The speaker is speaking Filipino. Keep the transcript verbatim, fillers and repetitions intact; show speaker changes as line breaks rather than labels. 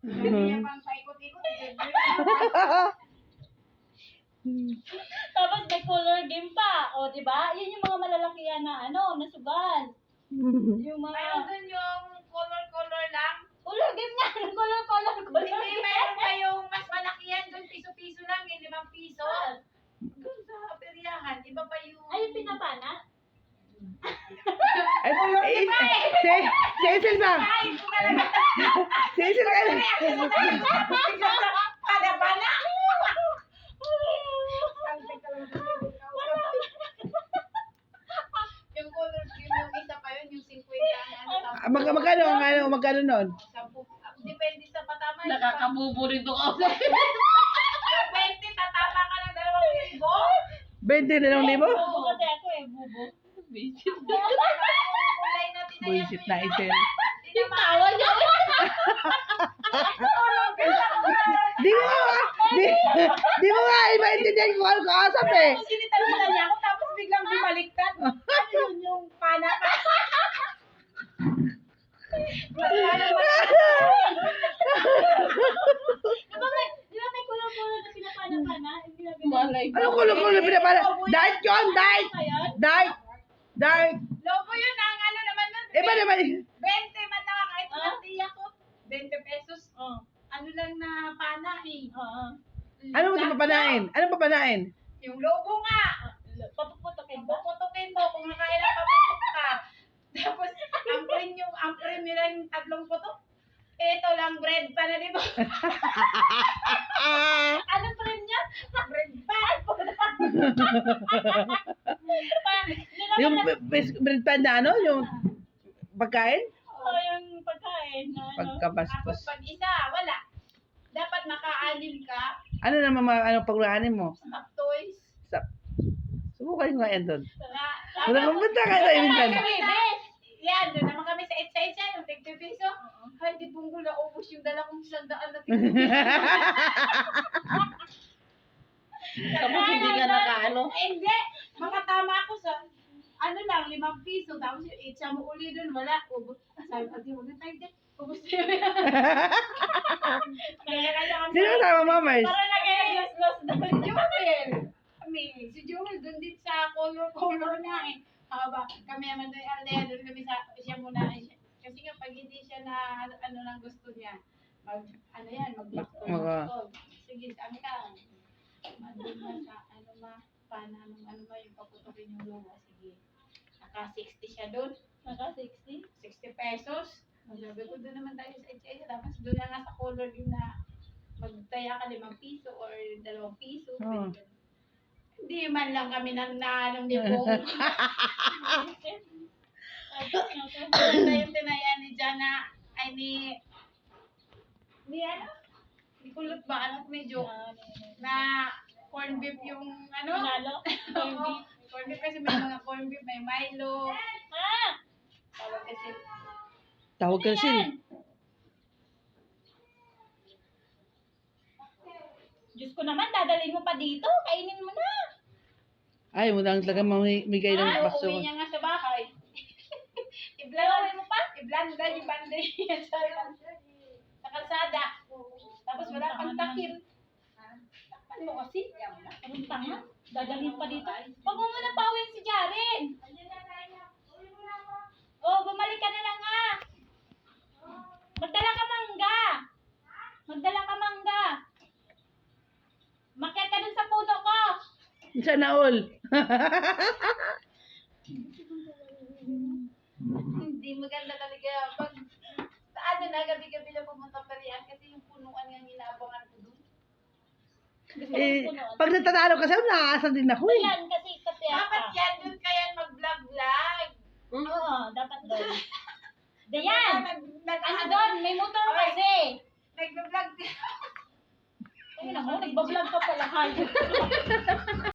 Hindi niya pang paikot-ikot.
Tapos may color game pa. O, di ba? Yun yung mga malalakihan na, ano, na sugal. Yung mga...
Mayroon dun yung color-color lang.
Color game nga. Color, color, color.
Hindi, mayroon pa yung mas malaki yan. Dun piso-piso lang, yung limang piso. Dun sa peryahan, iba pa yung...
Ay, yung pinapana?
Ay, eh, si, Cecil ba?
Ay, ito talaga.
Cecil ka na.
Pana-pana. Yung color game, yung isa pa yun, yung fifty ano,
Ah, Mag, magkano, ang ano, magkano nun?
sampu. Depende sa patama.
Nakakabubo rin to ako.
Yung twenty, tatama ka ng dalawang libo.
twenty na lang libo?
Bubo kasi ako eh, bubo. Visit.
Kulay na tinayan.
Buisit na isil.
Yung tawa niya.
Di mo nga, di, di mo nga, iba-intindihan ko ano kaasap eh.
Tapos sinitalita niya ako, tapos biglang bumaliktad. Ano yun yung pana?
Di ba may, di ba may color-color na pinapana-pana? Hindi na
Malay ko.
Ano kulo-kulo pinapala? Diet yun, diet!
Ngayon?
Diet! Diet!
Lobo yun, ang ano naman nun.
Iba naman,
twenty man na kahit
Ah?
lang tiya ko. twenty pesos.
Oo.
Ano lang na pana eh.
Oo.
ano mo ito papanain? Anong papanain?
Yung lobo nga.
Papuputokin ba?
Puputukin mo kung nakailang paputok ka. Tapos, ang print yung, ang print nila yung tatlong putok. Ito lang, bread pa na, di ba?
Anong frame niya?
Bread pa.
Yung b- bread pan na ano? Yung pagkain?
Oo, yung pagkain na ano.
Tapos
Pagkabastos.
pag isa, wala. Dapat makaanin ka.
Ano naman mga ano pagulahanin mo?
Snack toys.
Sa, subukan ko nga yan doon.
Na,
Wala pumunta ka sa minsan.
yan, doon naman kami sa Etsa-Etsa, yung tigti piso. Ay, di punggol na ubos yung dala kong isang daan na tigti piso.
Tapos hindi ka nakaano.
Eh, hindi. Makatama ako sa, ano lang, limang piso. Tapos yung Etsa mo uli doon, wala. Ubos. Sabi ko, di mo na tayo din. Ubos na yun. Kaya kaya kami.
Sino kasama mo, Mars?
Para lagay ng glas-glas
Si Joel. Kami, si Joel, doon din sa color-color na eh. Haba, kami naman doon, aldea, doon kami sa, siya muna. Siya, kasi nga, pag hindi siya na, ano, ano lang gusto niya, mag, ano yan, mag-gusto.
Mag-
Sige, saan ka? Mandun na sa, ano ma, paano, anong, ano ba, yung paputukin yung luwa, sige. Naka sixty siya doon,
Naka sixty?
sixty pesos. Sabi ko, doon naman tayo sa H I. Tapos doon na nga sa color yung na, magtaya ka limang piso or dalawang piso.
Oh.
Pwede ganun. Hindi man lang kami nang naanong ni Bong. Maganda yung tinayan ni Jana, ay ni, ni ano? Ni Kulot ba? Anak medyo, na corn beef yung ano?
Manalo? Corn
Oo,
beef?
corn beef kasi may mga corn beef, may Milo.
Ah!
Tawag kasi,
Tawag ka na sila.
Diyos ko naman, dadalhin mo pa dito. Kainin mo na.
Ay, mo lang talaga mamigay ng
ah,
baso.
uuwi niya nga sa bahay.
Gawin
Iblanda
mo pa?
Iblanda yung banday niya sa, sa kalsada. Tapos wala pang takil. Takpan mo kasi.
Anong tanga? Dadalhin pa dito. Huwag mo muna pauwiin si Jaren. Oh, bumalik ka na lang nga. Magdala ka mangga. Magdala ka mangga. Makyat ka dun sa puno ko.
Sana all.
Hindi maganda talaga. Pag sa ano na, gabi-gabi na pumunta pa riyan kasi yung punuan nga inaabangan ko doon.
Gusto
Eh,
mo puno.
pag natatalo kasi, nakakasal din ako eh.
Yan, kasi kasi
Dapat yan, doon kaya mag-vlog-vlog.
Oo, dapat doon. Dayan!
Nag, nag,
Ano doon? May motor kasi.
Nag-vlog.
Ay, naku, nagbablog ka pala. Hayop.